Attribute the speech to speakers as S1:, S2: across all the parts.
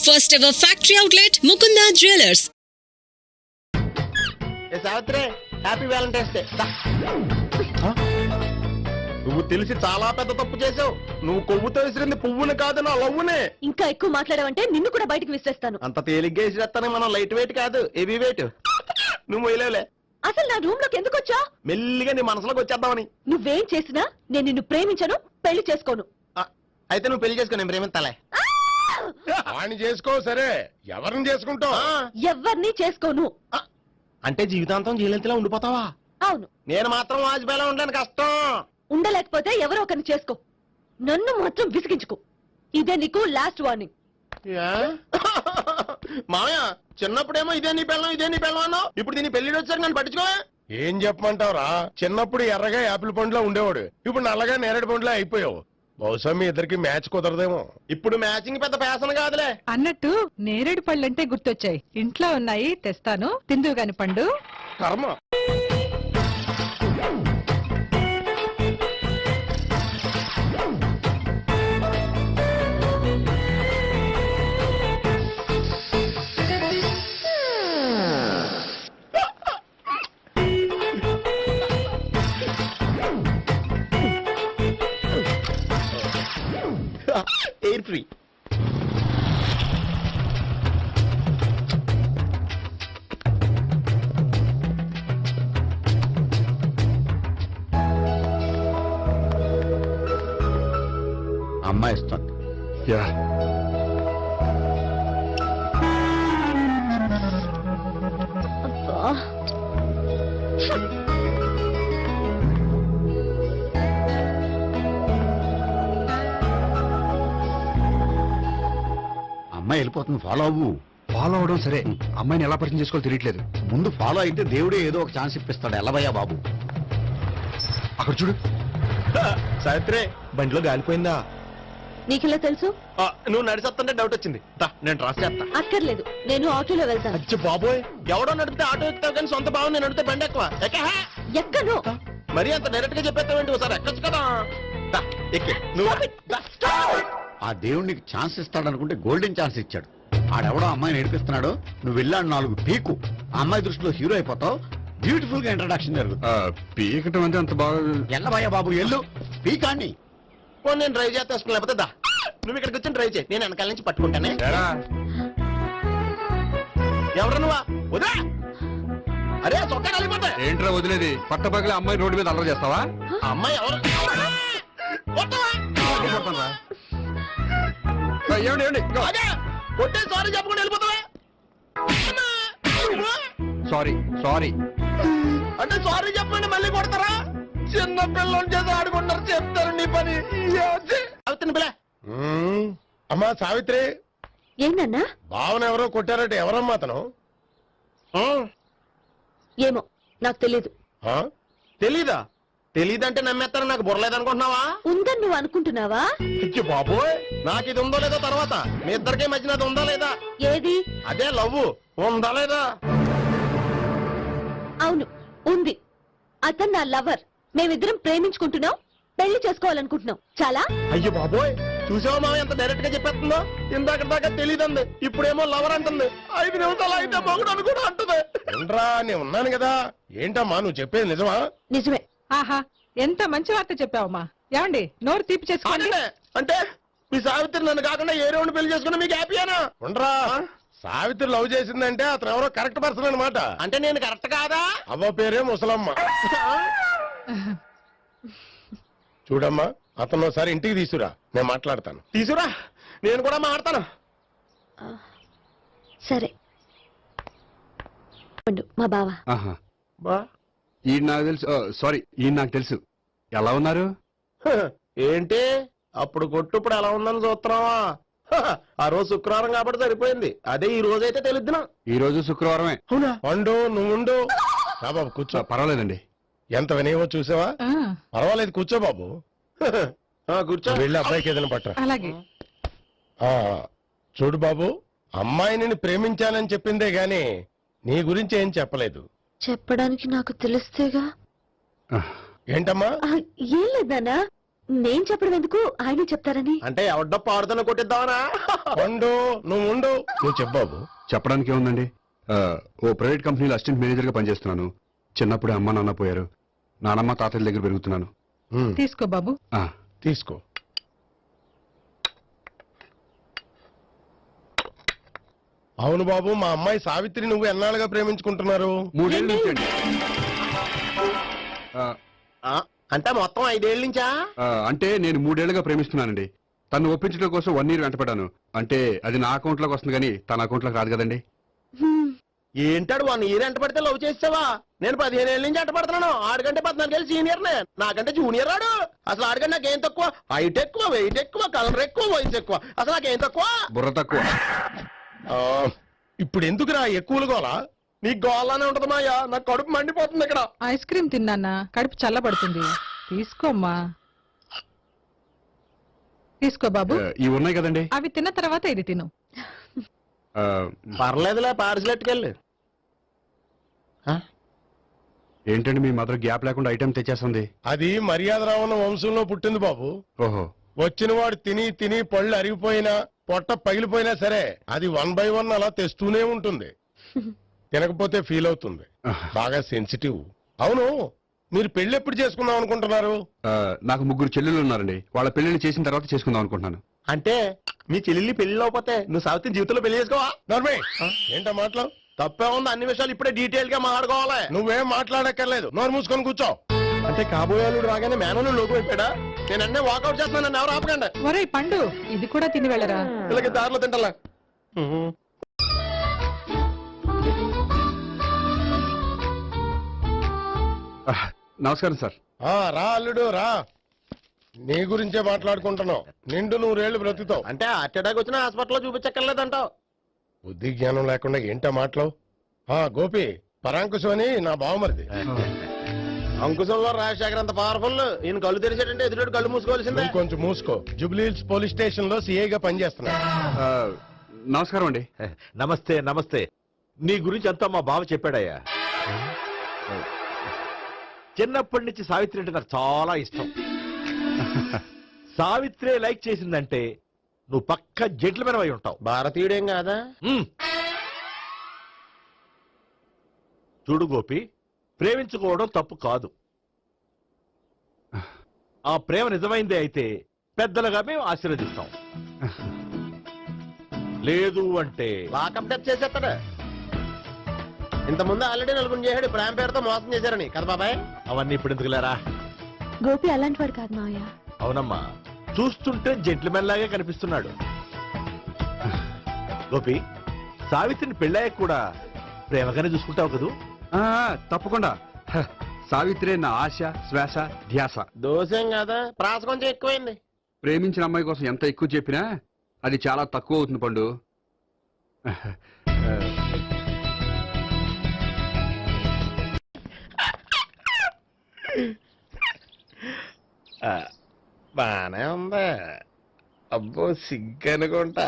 S1: First ever factory outlet, Mukunda Jewelers.
S2: Savitri, happy valentine's day. నువ్వు తెలిసి చాలా పెద్ద తప్పు చేసావు. నువ్వు కొవ్వుతో విసిరింది పువ్వుని కాదు, నా లవ్వునే.
S3: ఇంకా ఎక్కువ మాట్లాడావంటే నిన్ను కూడా బయటకు విసిరేస్తాను.
S2: అంత తేలిగ్గా విసిరేస్తానే, మనం లైట్ వెయిట్ కాదు, హెవీ వెయిట్. నువ్వు మొయ్యలేవులే.
S3: అసలు నా రూమ్ లోకి ఎందుకు వచ్చా?
S2: మెల్లిగా నీ మనసులోకి వచ్చేద్దామని.
S3: నువ్వేం చేసినా నేను నిన్ను ప్రేమించను, పెళ్లి చేసుకోను.
S2: అయితే నువ్వు పెళ్లి చేసుకో, నేను ప్రేమిస్తాలే.
S4: వాణ్ణి చేసుకో, సరే ఎవరిని చేసుకుంటావు?
S3: ఎవరిని చేసుకోను.
S2: అంటే జీవితాంతం జీలంతిలా ఉండిపోతావా?
S3: అవును.
S2: నేను మాత్రం వాజ్పేయిలా ఉండడానికి కష్టం.
S3: ఉండలేకపోతే ఎవరో ఒకరిని చేసుకో, నన్ను మాత్రం విసిగించుకో. ఇదే నీకు లాస్ట్ వార్నింగ్.
S2: మామయ్య, చిన్నప్పుడేమో ఇదే నీ పెళ్ళం అన్నావు, ఇప్పుడు దీని పెళ్లి వచ్చారు నన్ను పట్టించుకో.
S4: ఏం చెప్పమంటావురా? చిన్నప్పుడు ఎర్రగా యాపిల్ పండులా ఉండేవాడు, ఇప్పుడు నల్లగా నేరేడు పండులా అయిపోయావు. బహుశా మీ ఇద్దరికి మ్యాచ్ కుదరదేమో.
S2: ఇప్పుడు మ్యాచింగ్ పెద్ద ఫ్యాషన్ కాదులే.
S5: అన్నట్టు నేరేడు పళ్ళంటే గుర్తొచ్చాయి. ఇంట్లో ఉన్నాయి, తెస్తాను, తిందువు గాని పండు.
S4: కర్మ.
S2: Air free.
S6: అమ్మాయి ఇస్తుంది. అమ్మాయి వెళ్ళిపోతుంది, ఫాలో అవ్వు.
S7: ఫాలో అవడం సరే, అమ్మాయిని ఎలా పరిచయం చేసుకోవాలో తెలియట్లేదు.
S6: ముందు ఫాలో అయితే దేవుడే ఏదో ఒక ఛాన్స్ ఇప్పిస్తాడు. ఎలవయ్యా బాబు.
S7: అక్కడ చూడు.
S2: సావిత్రి, బండిలో గాలిపోయిందా?
S3: నీకెలా తెలుసు?
S2: నువ్వు నడిచేస్తుంటే డౌట్ వచ్చింది. నేను ట్రాస్ చేస్తా.
S3: అక్కర్లేదు, నేను ఆటోలో వెళ్తాను.
S2: అచ్చి బాబోయ్, ఎవడో నడిపితే ఆటో ఎక్కుతావు కానీ సొంత భావం నేను నడిపితే బండి ఎక్కువ.
S3: ఎక్కను.
S2: మరి అంత డైరెక్ట్ గా చెప్పేస్తావేంటి? ఒకసారి ఎక్కొచ్చు కదా. ఎక్కే నువ్వు.
S6: ఆ దేవుడికి ఛాన్స్ ఇస్తాడనుకుంటే గోల్డెన్ ఛాన్స్ ఇచ్చాడు. ఆడెవడో అమ్మాయిని ఏడిపిస్తున్నాడు, నువ్వు వెళ్ళాడు 4 పీకు. ఆ అమ్మాయి దృష్టిలో హీరో అయిపోతావు. బ్యూటిఫుల్ గా ఇంట్రడక్షన్ జరుగుతుంది.
S7: పీకటం అంటే అంత బాగా.
S6: ఎల్లబయ్యా బాబు, ఎల్లు పీకాన్ని.
S2: నేను డ్రైవ్ చేస్తాను, లేకపోతే దా నువ్వు ఇక్కడికి వచ్చి డ్రైవ్ చేయి, నేను వెనకాల నుంచి పట్టుకుంటానే. ఎవరు నువ్వా? వదా. అరే చొక్కా కలిగిపోతా.
S7: ఏంట్రా వదిలేది? పట్టపగలే అమ్మాయి రోడ్డు మీద అల్లరి చేస్తావా?
S2: అమ్మాయి ఎవరు? కొట్టే సారీ చెప్పకుండా వెళ్ళిపోతావా?
S7: సారీ సారీ
S2: అంటే సారీ చెప్పండి మళ్ళీ కొడతారా? చిన్న పిల్లలు చేసి ఆడుకుంటారు, చెప్తారు నీ పని. అవుతుంది పిల్ల.
S4: అమ్మా సావిత్రి,
S3: ఏంటన్నా?
S4: భావన ఎవరో కొట్టారంటే ఎవరమ్మా అతను?
S3: ఏమో నాకు తెలీదు.
S2: తెలీదా? తెలీదంటే నమ్మేస్తారని నాకు బుర్రలేదనుకుంటున్నావా?
S3: ఉందని నువ్వు అనుకుంటున్నావా?
S2: బాబోయ్, నాకు ఇది ఉందో లేదో తర్వాత. మీ ఇద్దరికే మధ్యన అది ఉందా లేదా?
S3: ఏది?
S2: అదే లవ్ ఉందా లేదా?
S3: అవును, ఉంది. అతను నా లవర్. మేమిద్దరం ప్రేమించుకుంటున్నాం, పెళ్లి చేసుకోవాలనుకుంటున్నాం. చాలా.
S2: అయ్యో బాబోయ్, చూసావా మామ ఎంత డైరెక్ట్ గా చెప్పేస్తుందో? ఇందాక దాకా తెలీదండి, ఇప్పుడేమో లవర్ అంటుంది. 5 నిమిషాలు అయితే మొగుడు అని కూడా అంటుంది.
S4: ఏంట్రా, నేను ఉన్నాను కదా. ఏంటమ్మా నువ్వు చెప్పేది నిజమా?
S3: నిజమే.
S5: ఆహా, ఎంత మంచి వార్త చెప్పావమ్మా. ఏమండి, నోరు తీపి చేసుకోండి.
S2: అంటే మీ సావిత్రి నన్ను కాకుండా ఏ రౌండ్ పెళ్లి చేసుకున్నా మీకు హ్యాపీయేనా?
S4: ఉండరా, సావిత్రి లవ్ చేసిందంటే అతను ఎవరో కరెక్ట్ పర్సన్ అనమాట.
S2: అంటే నేను కరెక్ట్ కాదా?
S4: అవ్వ పేరే ముసలమ్మ. చూడమ్మా, అతను ఒకసారి ఇంటికి తీసుకురా, నేను మాట్లాడతాను.
S2: తీసురా, నేను కూడా మాట్లాడతాను.
S3: సరే. మా బావ.
S2: బా
S7: ఈ నాకు తెలుసు. సారీ, ఈ నాకు తెలుసు. ఎలా ఉన్నారు?
S2: ఏంటి అప్పుడు కొట్టు ఇప్పుడు ఎలా ఉందని చూస్తున్నావా? ఆ రోజు శుక్రవారం కాబట్టి సరిపోయింది. అదే ఈ రోజు అయితే తెలుద్దునా.
S7: ఈ రోజు శుక్రవారమే.
S2: అవునా?
S4: పండు నువ్వుండు. బాబు కూర్చో.
S7: పర్వాలేదండి.
S4: ఎంత వినయమో చూసావా? పర్వాలేదు, కూర్చో బాబు.
S2: కూర్చో.
S4: వెళ్ళి అబ్బాయికి ఏదైనా పట్ట.
S5: అలాగే.
S4: చూడు బాబు, అమ్మాయిని ప్రేమించానని చెప్పిందే గాని నీ గురించి ఏం చెప్పలేదు.
S3: చెప్పడానికి నాకు తెలిస్తేగా.
S4: ఏంటమ్మా?
S3: ఏం లేదన్నా, నేను చెప్పడం ఎందుకు ఆయనే చెప్తారని.
S2: అంటే ఎవడ్డో పాడుతున్న కొట్టిద్దామనా?
S4: పండు నువ్వు ఉండు, నువ్వు చెప్పు బాబు.
S7: చెప్పడానికి ఏముందండి, ఓ ప్రైవేట్ కంపెనీలో అసిస్టెంట్ మేనేజర్ గా పనిచేస్తున్నాను. చిన్నప్పుడే అమ్మ నాన్న పోయారు. నానమ్మ తాతయ్య దగ్గర పెరుగుతున్నాను.
S5: తీసుకో బాబు.
S7: ఆ,
S4: తీసుకో. అవును బాబు, మా అమ్మాయి సావిత్రి నువ్వు ఎన్నాళ్ళుగా ప్రేమించుకుంటున్నారు?
S7: 3 ఏళ్ళ నుంచి అండి.
S2: అంటే మొత్తం 5 ఏళ్ళ నుంచా?
S7: అంటే నేను 3 ఏళ్లుగా ప్రేమిస్తున్నానండి. తను ఒప్పించడం కోసం 1 year వెంటపడ్డాను. అంటే అది నా అకౌంట్ లోకి వస్తుంది కానీ తన అకౌంట్ లోకి రాదు కదండి.
S2: ఏంటాడు 1 year ఎంట పడితే లవ్ చేసావా? నేను 15 ఏళ్ళ నుంచి ఎంట పడుతున్నాను. ఆడికంటే 14 ఏళ్ళు సీనియర్ నే, నాకంటే జూనియర్ రాడు. అసలు ఆడికంటే నాకేం తక్కువ? హైట్ ఎక్కువ, వెయిట్ ఎక్కువ, కలర్ ఎక్కువ, వయసు ఎక్కువ. అసలు నాకేం తక్కువ?
S7: బుర్ర తక్కువ.
S4: ఇప్పుడు ఎందుకురా ఎక్కువలు గోలా?
S2: నీకు గోళ్ళనే ఉంటది మాయా, నాకు కడుపు మండిపోతుంది ఇక్కడ.
S5: ఐస్ క్రీమ్ తిన్నానా, కడుపు చల్లబడుతుంది. తీసుకోమ్మా. తీసుకో బాబు.
S7: ఇవి ఉన్నాయి కదండి.
S5: అవి తిన్న తర్వాత ఇది తిను.
S7: ఆ,
S2: పర్లేదులే, పార్సిల్ ఎట్టుకెళ్ళి.
S7: ఏంటండి మీ మదర్ గ్యాప్ లేకుండా ఐటెం తెచ్చేస్తుంది?
S4: అది మర్యాద రావణ వంశంలో పుట్టింది బాబు.
S7: ఓహో.
S4: వచ్చిన వాడు తిని తిని పళ్ళు అరిగిపోయినా పొట్ట పగిలిపోయినా సరే అది 1 by 1 అలా తెస్తూనే ఉంటుంది. తినకపోతే ఫీల్ అవుతుంది. బాగా సెన్సిటివ్. అవును, మీరు పెళ్లి ఎప్పుడు చేసుకుందాం అనుకుంటున్నారు?
S7: నాకు 3 చెల్లెళ్ళు ఉన్నారండి. వాళ్ళ పెళ్లిని చేసిన తర్వాత చేసుకుందాం అనుకుంటున్నాను.
S2: అంటే మీ చెల్లెల్ని పెళ్లి లేకపోతే నువ్వు సావిత్రి జీవితంలో పెళ్లి చేసుకోవా?
S4: నర్మే ఏంటా మాటలు?
S2: తప్పే ఉంది, అన్ని విషయాలు ఇప్పుడే డీటెయిల్ గా మాట్లాడుకోవాలి.
S4: నువ్వేం మాట్లాడక్కర్లేదు, నోరు మూసుకొని కూర్చో.
S2: అంటే కాబోయేవాళ్ళు రాగానే మేనలు లోకి అయిపోయాడా? నేను అన్నీ వాకౌట్ చేస్తున్నాను, నన్ను ఎవరు ఆపకండి.
S5: ఒరే పండు, ఇది కూడా తిని వెళ్ళరా.
S2: వీళ్ళకి దారిలో తింటలా.
S7: నమస్కారం సార్.
S4: రా అల్లుడు రా. నీ గురించే మాట్లాడుకుంటున్నావు. నిండు 100 ఏళ్ళు బ్రతుకుతావు.
S2: అంటే హార్ట్ అటాక్ వచ్చిన హాస్పిటల్లో చూపించక్కర్లేదంటావు.
S4: బుద్ధి జ్ఞానం లేకుండా ఏంటా మాటలు? గోపి, పరాంకుశం అని నా బావమరిది.
S2: అంకుశంలో రాజశేఖర్ అంత పవర్ఫుల్. ఈయన కళ్ళు తెరిచాడంటే ఎదురు కళ్ళు మూసుకోవాల్సిందే.
S4: నువ్వు కొంచెం మూసుకో. జూబ్లీహిల్స్ పోలీస్ స్టేషన్ లో సిఐగా పనిచేస్తున్నా.
S7: నమస్కారం అండి.
S8: నమస్తే నమస్తే. నీ గురించి అంతా మా బావ చెప్పాడయ్యా. చిన్నప్పటి నుంచి సావిత్రి అంటే నాకు చాలా ఇష్టం. సావిత్రే లైక్ చేసిందంటే నువ్వు పక్క జెంట్లమెన్ అయి ఉంటావు.
S2: భారతీయుడేం కాదా?
S8: చూడు గోపి, ప్రేమించుకోవడం తప్పు కాదు. ఆ ప్రేమ నిజమైందే అయితే పెద్దలుగా మేము ఆశీర్వదిస్తాం. లేదు అంటే
S2: లాకప్ డెత్ చేసేస్తాడు. ఇంతకుముందు ఆల్రెడీ 4 చేశాడు ప్రేమ పేరుతో మోసం చేశారని కదా బాబాయ్.
S8: అవన్నీ ఇప్పుడు ఎందుకులేరా?
S3: గోపి అలాంటి వాడు కాదు మావయ్య.
S8: అవునమ్మా, చూస్తుంటే జెంట్లమెన్ లాగే కనిపిస్తున్నాడు. గోపి, సావిత్రిని పెళ్ళాక కూడా ప్రేమగానే చూసుకుంటావు కదూ?
S7: తప్పకుండా. సావిత్రే నా ఆశ, శ్వాస, ధ్యాస.
S2: దోషం కాదా? ప్రాస కొంచెం ఎక్కువైంది.
S7: ప్రేమించిన అమ్మాయి కోసం ఎంత ఎక్కువ చెప్పినా అది చాలా తక్కువ అవుతుంది పండు.
S2: బానే ఉందా? అబ్బో సిగ్గనుకుంటా.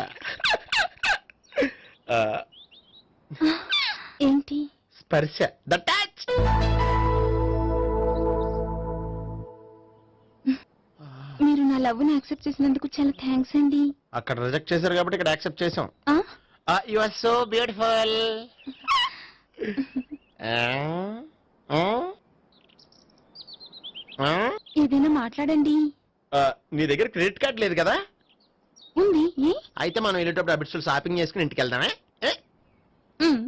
S3: ఏంటి?
S2: స్పర్శ, ద టచ్.
S3: మీరు నా లవ్ ని యాక్సెప్ట్ చేసినందుకు చాలా థ్యాంక్స్ అండి.
S2: అక్కడ రిజెక్ట్ చేశారు కాబట్టి ఇక్కడ యాక్సెప్ట్ చేసాం.
S3: ఆ?
S2: You are so beautiful.
S3: ఏదైనా మాట్లాడండి.
S2: నీ దగ్గర క్రెడిట్ కార్డ్ లేదు కదా?
S3: ఉంది. ఏ?
S2: అయితే మనం వెళ్ళేటప్పుడు అబిట్స్ షాపింగ్ చేసుకుని ఇంటికి వెళ్దామే.
S3: ఉమ్.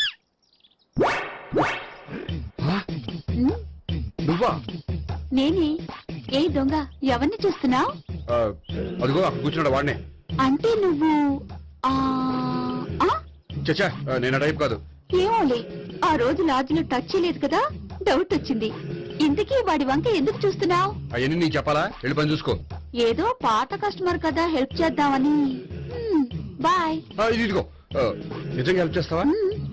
S7: నువ్వా?
S3: నేనే. ఏ దొంగ, ఎవరిని చూస్తున్నావు?
S7: అదిగో అక్కడ కూర్చున్నాడు వాడినే.
S3: అంటే నువ్వు ఆ ఆ?
S7: చచ్చా, నేను టైప్ కాదు.
S3: ఏమోలే, ఆ రోజు లాడ్జిలో టచ్ చేయలేదు కదా, డౌట్ వచ్చింది. ఇంతకీ వాడి వంక ఎందుకు చూస్తున్నావు?
S7: అవన్నీ నీకు చెప్పాలా? వెళ్ళి పని చూసుకో.
S3: ఏదో పాత కస్టమర్ కదా, హెల్ప్ చేద్దామని. బాయ్.
S7: ఇదిగో, నిజంగా హెల్ప్ చేస్తావా?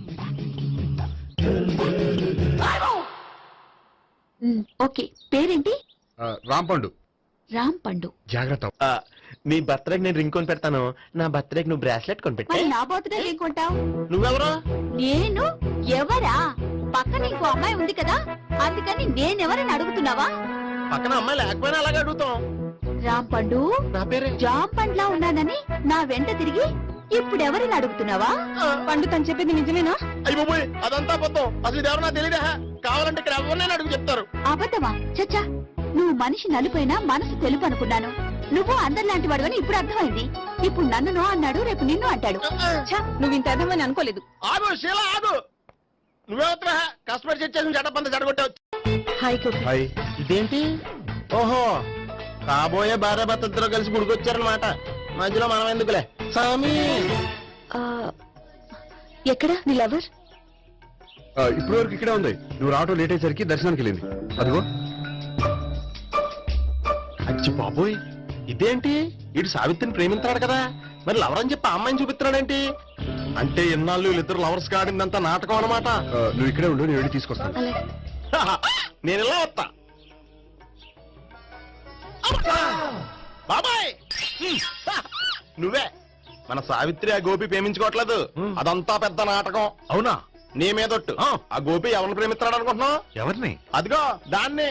S3: ఓకే. పేరేంటి?
S7: రాంపండు.
S3: రామ్ పండు.
S7: జాగ్రత్త.
S2: నీ బర్త్డేకి నేను రింగ్ కొని పెడతాను. నా బర్త్డేకి నువ్వు బ్రాస్లెట్ కొని పెట్టే.
S3: మరి నా బర్త్డే ఏం కొంటావు?
S2: నువ్వెవరు?
S3: నేను ఎవరా? పక్కన ఇంకో అమ్మాయి ఉంది కదా, అందుకని నేనెవరని అడుగుతున్నావా?
S2: పక్కన అమ్మాయి లేకపోయినా అలాగే అడుగుతాం.
S3: రాంపండు
S2: నా పేరే
S3: జామ్ పండ్లా ఉన్నానని నా వెంట తిరిగి ఇప్పుడు ఎవరిని అడుగుతున్నావా? పండు తను చెప్పింది నిజమేనా?
S2: అయ్యి బాబోయ్ అదంతా అబద్ధం. అసలు ఇది ఎవరన్నా తెలియదా? కావాలంటే ఇక్కడ ఎవరినైనా అడుగు చెప్తారు.
S3: అబద్ధమా? చచ్చా, నువ్వు మనిషి నలుపైనా మనసు తెలుపు అనుకున్నాను. నువ్వు అందరిలాంటి వాడువని ఇప్పుడు అర్థమైంది. ఇప్పుడు నన్ను నో అన్నాడు, రేపు నిన్ను అంటాడు. నువ్వు ఇంత అర్థమని అనుకోలేదు.
S2: ఆగు శీల ఆగు. నువ్వేవత్తరా కస్టమర్ సెట్ చేసి జడపంత జడగొట్టావు.
S3: హాయ్ గోపి.
S7: హాయ్.
S2: ఇదేంటి? ఓహో కాబోయే భార్య భర్తతో కలిసి గుడికొచ్చారనమాట. మధ్యలో మనం ఎందుకులే సామి.
S3: ఎక్కడ నీ లవర్?
S7: ఇప్పటి వరకు ఇక్కడే ఉంది. నువ్వు రావటం లేట్ అయ్యేసరికి దర్శనానికి వెళ్ళింది. అదిగో.
S2: అచ్చి బాబోయ్ ఇదేంటి? ఇటు సావిత్రిని ప్రేమించాడు కదా, మరి లవర్ అని చెప్పి ఆ అమ్మాయిని చూపిస్తున్నాడేంటి? అంటే ఎన్నాళ్ళు వీళ్ళిద్దరు లవర్స్ కాడిందంతా నాటకం అనమాట.
S7: నువ్వు ఇక్కడే ఉండు, నేను వెళ్ళి తీసుకొస్తాను.
S3: అలాగే.
S2: నేను ఇలా వస్తా. బాబాయ్ నువ్వే మన సావిత్రి ఆ గోపి ప్రేమించుకోవట్లేదు. అదంతా పెద్ద నాటకం.
S8: అవునా?
S2: నీ మీదొట్టు. ఆ గోపి ఎవరిని ప్రేమిస్తున్నాడు అనుకుంటున్నావు?
S8: ఎవరిని?
S2: అదిగో దాన్ని.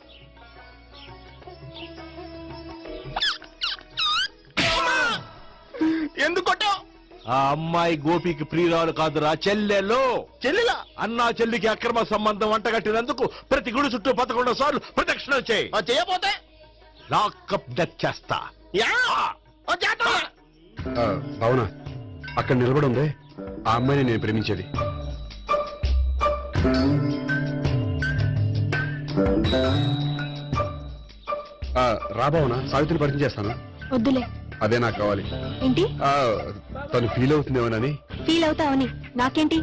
S2: ఎందుకు కొట్టావు?
S8: ఆ అమ్మాయి గోపికి ప్రియురాలు కాదురా, చెల్లెలు.
S2: చెల్లిలా?
S8: అన్నా చెల్లికి అక్రమ సంబంధం వంటగట్టినందుకు ప్రతి గుడి చుట్టూ 11 సార్లు ప్రదక్షిణ చేయి.
S2: చేయపోతే
S8: లాకప్ డెత్ చేస్తా.
S2: యా! ఓ చేద్దాం.
S7: అవునా? అక్కడ నిలబడి ఉంది ఆ అమ్మాయిని నేను ప్రేమించేది. రాబావునా? సావిత్రిని పరిచయం చేస్తాను.
S3: వద్దులే.
S7: అదే నాకు కావాలి.
S3: ఏంటి?
S7: తను ఫీల్ అవుతుందేమోనని.
S3: ఫీల్ అవుతావని నాకేంటి?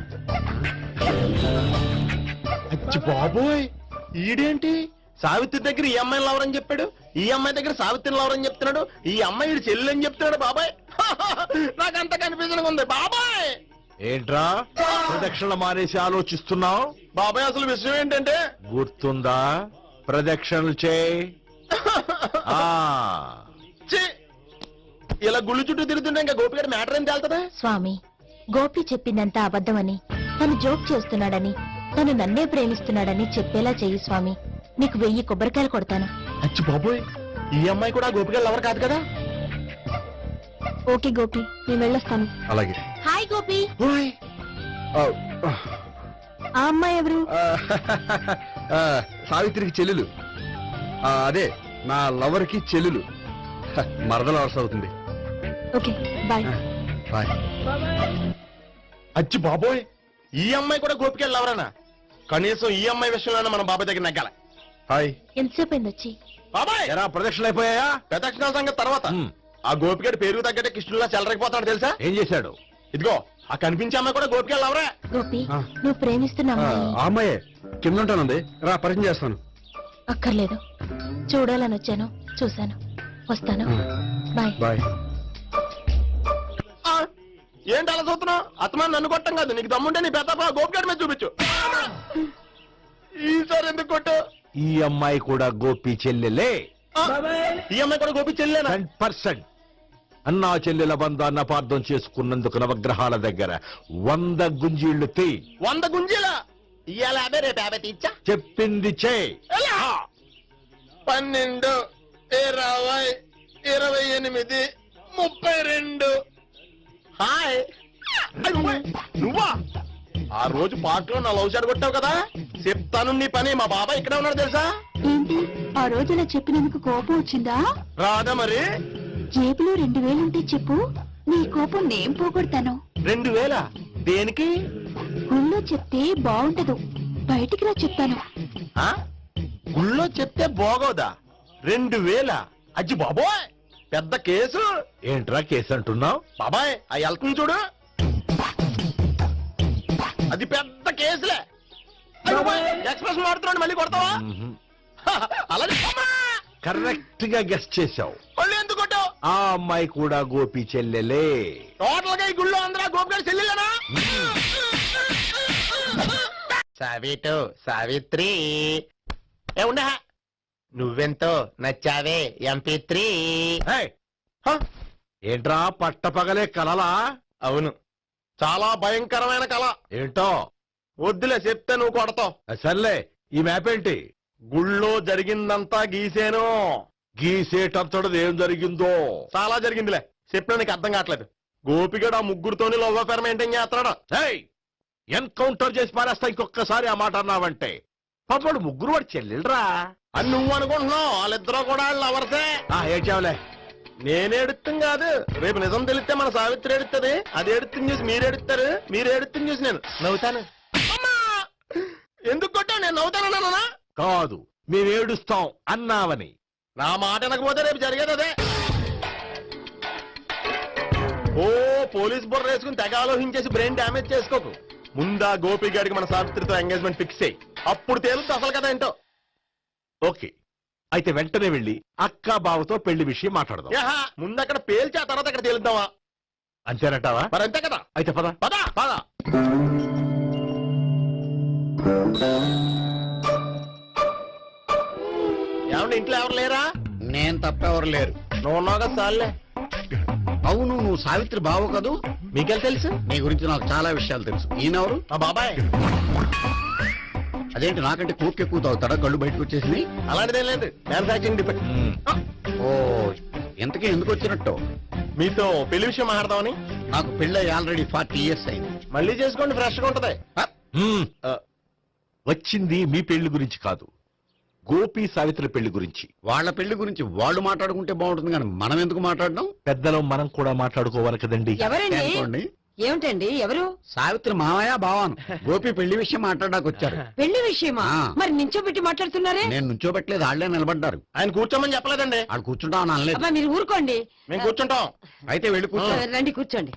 S2: అచ్చి బాబోయ్ ఈడేంటి సావిత్రి దగ్గర ఈ అమ్మాయిని లవర్ అని చెప్పాడు, ఈ అమ్మాయి దగ్గర సావిత్రిని లవర్ అని చెప్తున్నాడు, ఈ అమ్మాయి ఈడు చెల్లి అని చెప్తున్నాడు. బాబాయ్ నాకు అంత కన్ఫ్యూజన్ ఉంది బాబాయ్.
S8: ఏంట్రా ప్రదక్షిణ మానేసి ఆలోచిస్తున్నావు?
S2: బాబాయ్ అసలు విషయం ఏంటంటే
S8: గుర్తుందా? ప్రదక్షిణలు చేయి.
S2: ఛీ! ఇలా గుళ్ళు చుట్టూ తిరుగుతుంటే ఇంకా గోపిగడ మ్యాటర్ ఏం తేలుతుందా?
S3: స్వామి, గోపి చెప్పిందంతా అబద్ధమని, తను జోక్ చేస్తున్నాడని, తను నన్నే ప్రేమిస్తున్నాడని చెప్పేలా చెయ్యి స్వామి. నీకు 1000 కొబ్బరికాయలు కొడతాను.
S2: అచ్చి బాబోయ్ ఈ అమ్మాయి కూడా గోపిగడ లవర్ కాదు కదా?
S3: ఓకే గోపి, నేను వెళ్ళొస్తాను.
S7: అలాగే.
S3: హాయ్ గోపి.
S2: ఓయ్
S3: ఆ అమ్మాయి ఎవరు?
S7: సావిత్రికి చెల్లెలు. అదే నా లవర్ కి చెల్లెలు. మరదల వరుస అవుతుంది.
S3: Okay bye.
S7: బాయ్.
S2: అచ్చి బాబోయ్ ఈ అమ్మాయి కూడా గోపిగడ లవరేనా? కనీసం ఈ అమ్మాయి విషయంలోనే మనం బాబాయ్ దగ్గర నెగ్గాల.
S7: హాయ్.
S3: ఎంతసేపు అయింది వచ్చి?
S2: బాబాయ్
S8: ఎరా ప్రదక్షిణలు అయిపోయాయా?
S2: ప్రదక్షిణాల సంగతి తర్వాత. ఆ గోపిగడ పేరు తగ్గట్టే కృష్ణులా చెలరకపోతాడు తెలుసా?
S8: ఏం చేశాడు?
S2: ఇదిగో ఆ కనిపించే అమ్మాయి కూడా గోపిగడ లవరే.
S3: గోపి,
S7: ఆ.
S3: నువ్వు ప్రేమిస్తున్న అమ్మాయి
S7: ఆ అమ్మాయే కింద ఉంటానుంది. రా పరిచయం చేస్తాను.
S3: అక్కర్లేదు. చూడాలని వచ్చాను, చూశాను, వస్తాను. బాయ్.
S7: బాయ్.
S2: ఏంటి అలా చూస్తున్నావు? అత్తమాని నన్ను కొట్టం కాదు, నీకు దమ్ముంటే నీ పెద్ద గోపిగడ మీద చూపించు. ఈసారి ఎందుకు కొట్టు?
S8: ఈ అమ్మాయి కూడా గోపి చెల్లెలే.
S2: ఈ అమ్మాయి కూడా గోపి చెల్లేనా?
S8: 100%. అన్నా చెల్లెల బంధాన్ని అపార్థం చేసుకున్నందుకు నవగ్రహాల దగ్గర 100 గుంజీళ్లు తీ.
S2: 100 గుంజీల ఇవాళ 50 రేపు 50 తీచ్చా.
S8: చెప్పింది చే.
S2: 12, 20, 28, 32. హాయ్. నువ్వా? ఆ రోజు పార్క్ లో నా లవ్ షాట్ కొట్టావు కదా, చెప్తాను నీ పని. మా బాబాయ్ ఇక్కడే ఉన్నాడు తెలుసా?
S3: ఏంటి ఆ రోజు ఇలా చెప్పినందుకు కోపం వచ్చిందా?
S2: రాదా మరి?
S3: జేబులో 2000 ఉంటే చెప్పు, నీ కోపం నేను పోగొడతాను.
S2: 2000 దేనికి?
S3: గుళ్ళో చెప్తే బాగుంటదు, బయటికి రా చెప్తాను.
S2: ఆ? గుళ్ళో చెప్తే బాగోదా? 2000? అజ్జి బాబోయ్ పెద్ద కేసు.
S8: ఏంట్రా కేసు అంటున్నావు?
S2: బాబాయ్ ఆ వెళ్తుంది చూడు, అది పెద్ద కేసులే. ఎక్స్ప్రెస్ మాడుతున్నాడు, మళ్ళీ కొడతావా? అలాగే
S8: కరెక్ట్ గా గెస్ట్ చేశావు.
S2: మళ్ళీ ఎందుకు కొట్టావు?
S8: ఆ అమ్మాయి కూడా గోపి చెల్లెలే.
S2: టోటల్ గా ఈ గుళ్ళో అందరూ గోపిగారు చెల్లెలేనా? సావిత్రి ఏ ఉండ, నువ్వెంతో నచ్చావే MP3.
S8: ఏయ్, ఏంట్రా పట్టపగలే కలలా?
S2: అవును, చాలా భయంకరమైన కళ.
S8: ఏంటో
S2: వద్దులే చెప్తే నువ్వు కొడతావు.
S8: సర్లే, ఈ మ్యాప్ ఏంటి?
S2: గుళ్ళో జరిగిందంతా గీసేను.
S8: గీసేటంతటది ఏం జరిగిందో
S2: చాలా జరిగిందిలే చెప్పినా నీకు అర్థం కావట్లేదు గోపిగడు ఆ ముగ్గురుతోని లవ్ అఫేర్ మెయింటైన్ చేస్తున్నాడు.
S8: ఎన్కౌంటర్ చేసి పారేస్తా ఇంకొకసారి ఆ మాట అన్నావంటే పాపడు ముగ్గురు వాడు చెల్లెలరా.
S2: అని నువ్వు అనుకుంటున్నావు వాళ్ళిద్దరూ కూడా లవర్సే.
S8: ఏడ్చావులే.
S2: నేను ఎడుతుంది కాదు, రేపు నిజం తెలిస్తే మన సావిత్రి ఎడుతుంది, అది ఎడుతుంది చూసి మీరు ఎడుతారు, మీరు ఎడుతుంది చూసి నేను నవ్వుతాను. అమ్మా! ఎందుకు కొట్టావు? నేను నవ్వుతానన్నా?
S8: కాదు మేమేడుస్తాం అన్నావని.
S2: నా మాట అనకపోతే రేపు జరిగేది అదే. ఓ పోలీస్ బుర్ర వేసుకుని తెగ ఆలోచించేసి బ్రెయిన్ డ్యామేజ్ చేసుకోకు. ముందా గోపి గారికి మన సావిత్రితో ఎంగేజ్మెంట్ ఫిక్స్ అయ్యి అప్పుడు తేలుతుంది అసలు కదా ఏంటో.
S8: ఓకే అయితే వెంటనే వెళ్ళి అక్క బావతో పెళ్లి విషయం మాట్లాడదాం.
S2: యహా, ముందు అక్కడ పేల్చి ఆ తర్వాత అక్కడ తేలుద్దామా?
S8: అంతేనంటావా?
S2: మరి అంతే కదా.
S8: అయితే పద
S2: పద
S8: పద.
S2: ఏమంటే ఇంట్లో ఎవరు లేరా?
S6: నేను తప్పెవరు లేరు.
S2: నువ్వు ఉన్నావు కదా సార్లే.
S6: అవును, నువ్వు సావిత్రి బావు కదూ?
S2: మీకెళ్ళి తెలుసు?
S6: నీ గురించి నాకు చాలా విషయాలు తెలుసు. ఈయనెవరు?
S2: మా బాబాయ్.
S6: అదేంటి నాకంటే కూక్ ఎక్కువ తాగుతాడా? కళ్ళు బయటకు వచ్చేసి.
S2: అలాంటిదేం లేదు, మ్యానుఫాక్చరింగ్ డిఫెక్ట్.
S6: ఓ, ఇంతకీ ఎందుకు వచ్చినట్టు?
S2: మీతో పెళ్లి విషయం మాట్లాడదామని.
S6: నాకు పెళ్ళి ఆల్రెడీ 40 years అయింది.
S2: మళ్ళీ చేసుకోండి, ఫ్రెష్ గా ఉంటది.
S8: మ్మ్. వచ్చింది మీ పెళ్లి గురించి కాదు, గోపి సావిత్రి పెళ్లి గురించి.
S6: వాళ్ళ పెళ్లి గురించి వాళ్ళు మాట్లాడుకుంటే బాగుంటుంది కానీ మనం ఎందుకు మాట్లాడడం?
S8: పెద్దలో మనం కూడా మాట్లాడుకోవాలి కదండి.
S3: ఎవరండి?
S6: అనుకోండి,
S3: ఏమిటండి? ఎవరు?
S6: సావిత్రి మామయ్య బావాను గోపి పెళ్లి విషయం మాట్లాడడానికి వచ్చారు.
S3: పెళ్లి విషయమా?
S6: ఆ.
S3: మరి నించోబెట్టి మాట్లాడుతున్నారే?
S6: నేను నుంచోబెట్టలేదు, వాళ్ళే నిలబడ్డారు.
S2: ఆయన కూర్చోమని చెప్పలేదండి.
S6: వాళ్ళు కూర్చుంటామని అనలేదు.
S3: అబ్బా మీరు ఊరుకోండి.
S2: మేము కూర్చుంటాం.
S6: అయితే వెళ్ళి కూర్చో.
S3: రండి కూర్చోండి.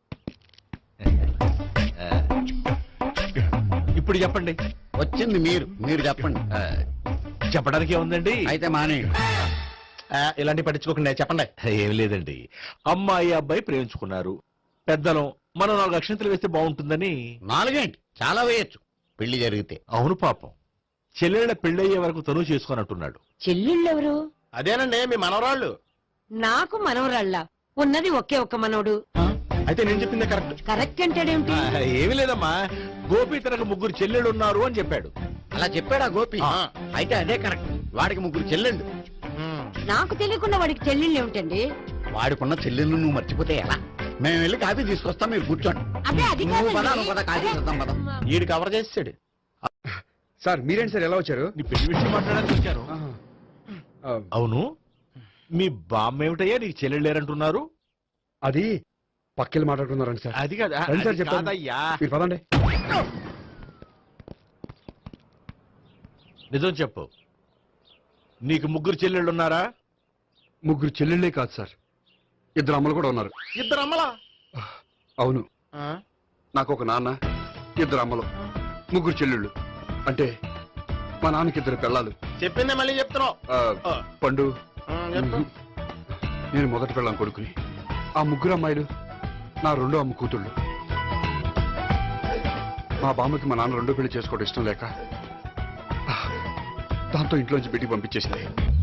S8: ఇప్పుడు చెప్పండి.
S6: వచ్చింది మీరు చెప్పండి.
S8: చెప్పడానికి ఏముందండి?
S6: అయితే మానే.
S2: ఇలాంటి పట్టించుకోకుండా చెప్పండి.
S8: ఏం లేదండి, అమ్మాయి అబ్బాయి ప్రేమించుకున్నారు. పెద్దలం మనం 4 అక్షంతలు వేస్తే బాగుంటుందని.
S6: 4 ఏంటి, చాలా వేయచ్చు పెళ్లి జరిగితే.
S8: అవును పాపం, చెల్లెళ్ళ పెళ్ళయ్యే వరకు తను చేసుకున్నట్టున్నాడు.
S3: చెల్లెళ్ళెవరు?
S2: అదేనండి మీ మనవరాళ్ళు.
S3: నాకు మనవరాళ్ళ ఉన్నది ఒకే ఒక్క మనవడు.
S2: అయితే నేను చెప్పిందే కరెక్ట్.
S3: కరెక్ట్ అంటాడేమిటి?
S8: ఏమి లేదమ్మా, గోపి తనకు 3 చెల్లెళ్ళు ఉన్నారు అని చెప్పాడు.
S6: అలా చెప్పాడా గోపి?
S2: ఆ.
S6: అయితే అదే కరెక్ట్. వాడికి 3 చెల్లెళ్ళు.
S3: నాకు తెలియకుండా వాడికి చెల్లెళ్ళు ఏమిటండి?
S6: వాడికున్న చెల్లెళ్ళు నువ్వు మర్చిపోతే ఎలా? మేము వెళ్ళి కాఫీ తీసుకొస్తాం, మీరు కూర్చోండి.
S3: అబ్బే అది
S6: నువ్వు పద,
S3: కాదండి.
S6: నువ్వు పద, కాఫీ చేద్దాం పద.
S2: ఈడు కవర్ చేసాడు.
S7: సార్ మీరేంటి సార్ ఎలా వచ్చారు?
S8: నీ పెళ్లి విషయం మాట్లాడడానికి వచ్చాను. అవును, మీ బామ్మ ఏమిటయ్యా నీకు చెల్లెళ్ళు లేరంటున్నారు?
S7: అది పక్కెళ్ళి మాట్లాడుకున్నారండి సార్.
S8: అది కాదు,
S7: రండి సార్
S8: అది
S7: చెప్తాను.
S8: కాదయ్యా.
S7: మీరు పదండి.
S8: నిజం చెప్పు, నీకు 3 చెల్లెళ్ళు ఉన్నారా?
S7: 3 చెల్లెళ్ళే కాదు సార్, 2 అమ్మలు కూడా ఉన్నారు.
S2: ఇద్దరు అమ్మలా?
S7: అవును, నాకు ఒక నాన్న, 2 అమ్మలు, 3 చెల్లెళ్ళు. అంటే మా నాన్నకి 2 పిల్లలు.
S2: చెప్పిందే మళ్ళీ చెప్తున్నావు.
S7: పండు,
S2: చెప్పు.
S7: నేను మొదటి పెళ్ళాం కొడుకుని. ఆ 3 అమ్మాయిలు నా 2వ అమ్మ కూతుళ్ళు. మా బామ్మకి మా నాన్న 2వ పెళ్లి చేసుకోవడం ఇష్టం లేక దాంతో ఇంట్లోంచి బిడ్డికి పంపించేసింది.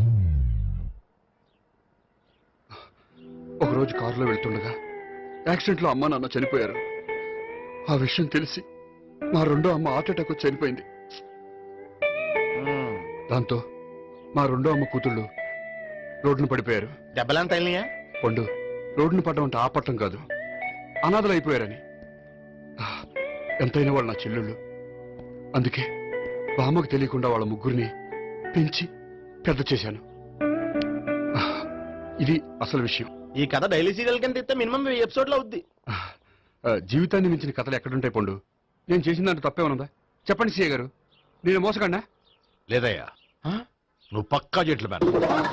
S7: ఒకరోజు కారులో వెళ్తుండగా యాక్సిడెంట్లో అమ్మ నాన్న చనిపోయారు. ఆ విషయం తెలిసి మా 2వ అమ్మ హార్ట్ అటాక్ వచ్చి చనిపోయింది. దాంతో మా 2వ అమ్మ కూతుళ్ళు రోడ్డును పడిపోయారు.
S2: దెబ్బలంత అయినాయా?
S7: పండు, రోడ్డును పడ్డం అంటే ఆపట్టం కాదు, అనాథలు అయిపోయారని. ఎంతైనా వాళ్ళు నా చెల్లెళ్ళు. అందుకే బామ్మకు తెలియకుండా వాళ్ళ 3 పెంచి పెద్ద చేశాను. ఇది అసలు విషయం.
S2: ఈ కథ డైలీ సీరియల్ కింద ఇస్తే మినిమం ఎపిసోడ్ లో అవుద్ది.
S7: జీవితాన్ని మించిన కథలు ఎక్కడుంటాయి పండు? నేను చేసిన దాంట్లో తప్పేమనుందా? చెప్పండి సీఏ గారు, నేను మోసగండా?
S8: లేదయ్యా, నువ్వు పక్కా చెట్లు మేన.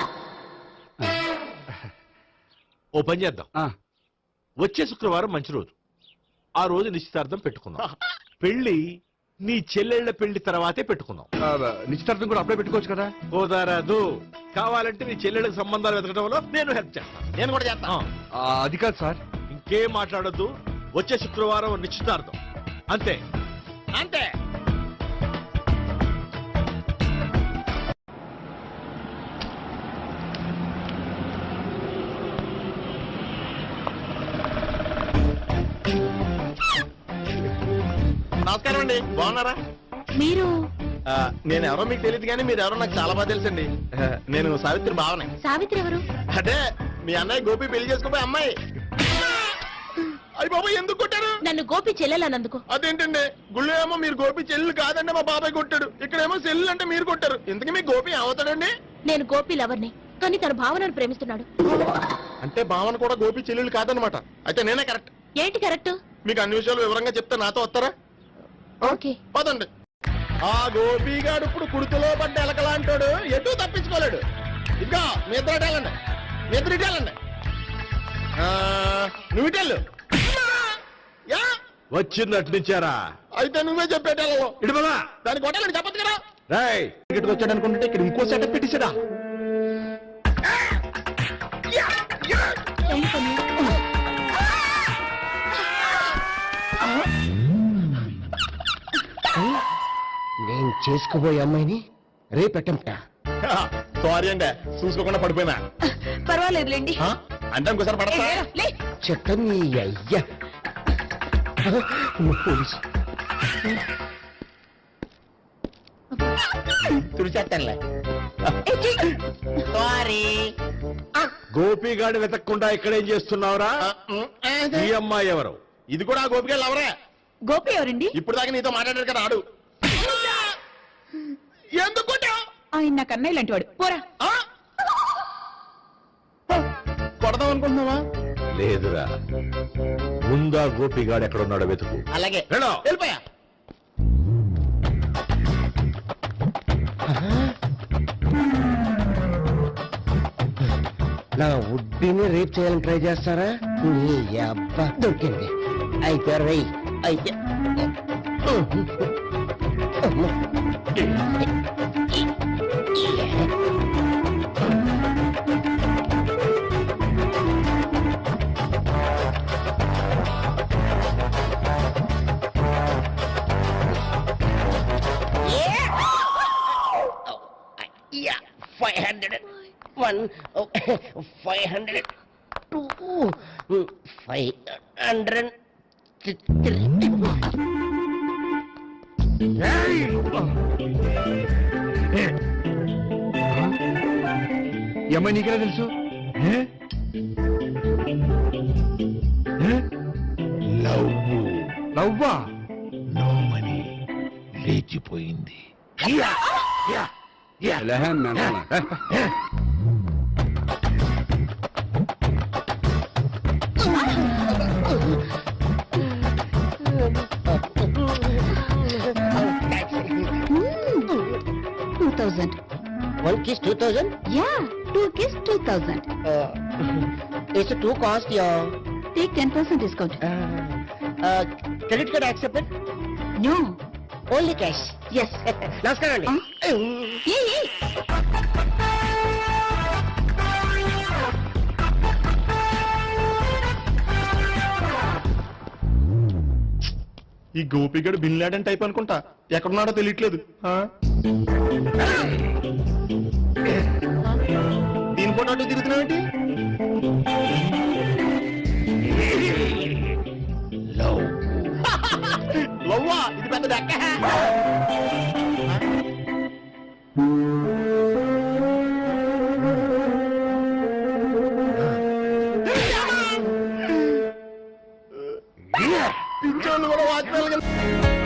S8: ఓ పని చేద్దాం, వచ్చే శుక్రవారం మంచి రోజు, ఆ రోజు నిశ్చితార్థం పెట్టుకుందాం. పెళ్లి నీ చెల్లెళ్ల పెళ్లి తర్వాతే పెట్టుకుందాం.
S7: నిశ్చితార్థం కూడా అప్పుడే పెట్టుకోవచ్చు కదా?
S8: కుదరదు, కావాలంటే నీ చెల్లెళ్ళకి సంబంధాలు వెతకడంలో నేను హెల్ప్ చేస్తాను.
S2: నేను కూడా చేస్తా.
S7: అది కాదు సార్.
S8: ఇంకేం మాట్లాడొద్దు, వచ్చే శుక్రవారం నిశ్చితార్థం, అంతే
S2: అంతే. నమస్కారం అండి, బాగున్నారా?
S3: మీరు
S2: నేను ఎవరో మీకు తెలియదు కానీ మీరు ఎవరో నాకు చాలా బాగా తెలుసండి. నేను సావిత్రి భావనే.
S3: సావిత్రి ఎవరు?
S2: అదే మీ అన్నయ్య గోపి పెళ్లి చేసుకోపోయి అమ్మాయి. అయ్యి బాబాయ్ ఎందుకు కొట్టారు?
S3: నన్ను గోపి చెల్లెలన్నందుకు.
S2: అదేంటండి గుళ్ళు ఏమో మీరు గోపి చెల్లు కాదంటే మా బాబాయ్ కొట్టాడు, ఇక్కడేమో చెల్లు అంటే మీరు కొట్టారు. ఇంతకీ మీ గోపి ఏమవుతాడండి?
S3: నేను గోపి లవర్ని, కానీ తన భావనను ప్రేమిస్తున్నాడు.
S2: అంటే భావన కూడా గోపి చెల్లెలు కాదనమాట. అయితే నేనే కరెక్ట్.
S3: ఏంటి కరెక్ట్?
S2: మీకు అన్ని విషయాలు వివరంగా చెప్తే నాతో వస్తారా?
S3: ఓకే.
S2: పదండి. ఆ గోపిగాడు ఇప్పుడు కుడుతులో పడ్డ ఎలకలాంటాడు, ఎటు తప్పించుకోలేడు. ఇంకా మీ ఇద్దరు ఇటేళ్ళండి, మీ ఇద్దరు ఇటేళ్ళండి. నువ్వు ఇటెళ్ళు. యా
S8: వచ్చింది అట్నుంచారా?
S2: అయితే నువ్వే చెప్పేటెళ్ళలో
S8: ఇటు బాబా.
S2: దానికి కొట్టాలని చెప్పదు కదా.
S8: రేయ్,
S2: ఇక్కడికి వచ్చాడు అనుకుంటే ఇక్కడ ఇంకో సెటప్ పెట్టించడా?
S6: నేను చేసుకోబోయే అమ్మాయిని రేపెట్టంట.
S2: సారీ అండి, చూసుకోకుండా పడిపోయినా.
S3: పర్వాలేదులేండి.
S2: అంటే ఇంకోసారి పడతా.
S6: చెత్త నీ అయ్యా పోలీసు
S2: తుడిచేస్తానులే. సారీ.
S8: గోపిగాడు వెతక్కుండా ఇక్కడేం చేస్తున్నావురా? ఈ అమ్మాయి ఎవరు?
S2: ఇది కూడా ఆ గోపిగాళ్ళు ఎవరే?
S3: గోపి ఎవరండి?
S2: ఇప్పుడు దాకా నీతో మాట్లాడారు కదా ఆడు. ఎందుకు కొట్టావ్?
S3: ఆయన నాకు అన్నయ్య లాంటి వాడు. పోరా.
S2: కొడదాం అనుకుంటున్నావా?
S8: లేదురా, ముందా గోపిగాడు ఎక్కడున్నాడో వెతుకు.
S2: అలాగే
S8: వెళ్ళు.
S2: వెళ్ళిపోయా.
S6: నా వుడ్డీని రేప్ చేయాలని ట్రై చేస్తారా? నీ అబ్బా దొరికింది. అయితే రై అయితే
S9: Yeah, 500. 1, 500. 2, 500. 3.
S7: ఈ అమ్మాయి నీకెలా తెలుసు? లవ్వా?
S8: నో మనీ, లేచిపోయింది.
S9: One kiss 2,000.
S3: Yeah, 2 kiss 2,000.
S9: It's a 2 cost, yeah.
S3: Take 10% discount.
S9: Credit card accepted?
S3: No.
S9: Only cash.
S3: Yes.
S9: నమస్కారం అండి.
S3: Hey.
S2: ఈ గోపిగడు బిన్ లాడెన్ టైప్ అనుకుంటా, ఎక్కడున్నాడో తెలియట్లేదు. దీని ఫోటో అటు తిరుగుతున్నావేంటి? లవ్వా? ఇది పెద్ద దక్క. పిచ్చోళ్ళు కూడా వాచ్మెన్